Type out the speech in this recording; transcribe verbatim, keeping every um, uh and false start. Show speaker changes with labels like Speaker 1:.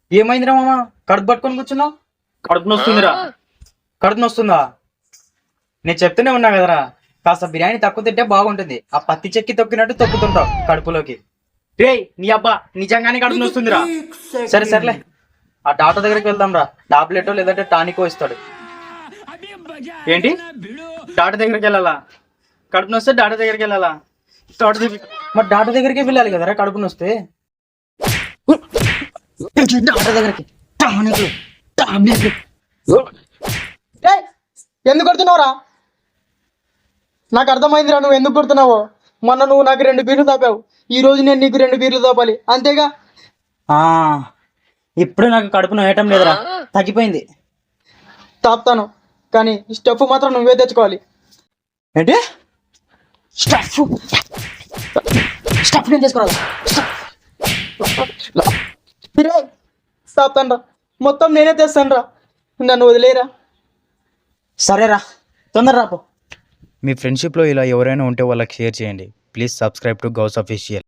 Speaker 1: ఏమైందిరా మామ? కడుపు పట్టుకొని కూర్చున్నావు. కడుపు నొస్తుందిరా. కడుపు నొస్తుందా? నేను చెప్తూనే ఉన్నా కదరా, కాస్త బిర్యానీ తక్కువ తింటే బాగుంటుంది. ఆ పత్తి చెక్కి తొక్కినట్టు తొక్కుతుంటావు కడుపులోకి. రే నీ అబ్బా, నిజంగానే కడుపు నొస్తుందిరా. సరే సర్లే, ఆ డాక్టర్ దగ్గరికి వెళ్దాం రా. టాబ్లెటో లేదంటే టానికో ఇస్తాడు. ఏంటి, డాక్టర్ దగ్గరికి వెళ్ళాలా? కడుపు నొస్తే డాక్టర్ దగ్గరికి వెళ్ళాలా? డాక్టర్ దగ్గర మరి డాక్టర్ దగ్గరికి వెళ్ళాలి కదరా కడుపు నొస్తే. డాక్టర్ దగ్గరికి టానిక్లు, టాబ్లెట్లు.
Speaker 2: ఏయ్, ఎందుకు కొడుతున్నావురా? నాకు అర్థమైందిరా నువ్వు ఎందుకు కొడుతున్నావో. మొన్న నువ్వు నాకు రెండు బీర్లు తాపావు, ఈ రోజు నేను నీకు రెండు బీర్లు తాపాలి, అంతేగా?
Speaker 1: ఆ ఇప్పుడు నాకు కడుపు నొయ్యటం లేదురా, తగ్గిపోయింది.
Speaker 2: తాపుతాను, కానీ స్టఫ్ మాత్రం నువ్వే తెచ్చుకోవాలి.
Speaker 1: ఏంటి స్టఫ్? స్టఫ్ నేను చేసుకోవాలి.
Speaker 2: తాపుతాను రా, మొత్తం నేనే తెస్తాను రా, నన్ను వదిలేరా.
Speaker 1: సరేరా, తొందర రాపో. మీ ఫ్రెండ్షిప్లో ఇలా ఎవరైనా ఉంటే వాళ్ళకి షేర్ చేయండి. Please subscribe to Ghous official.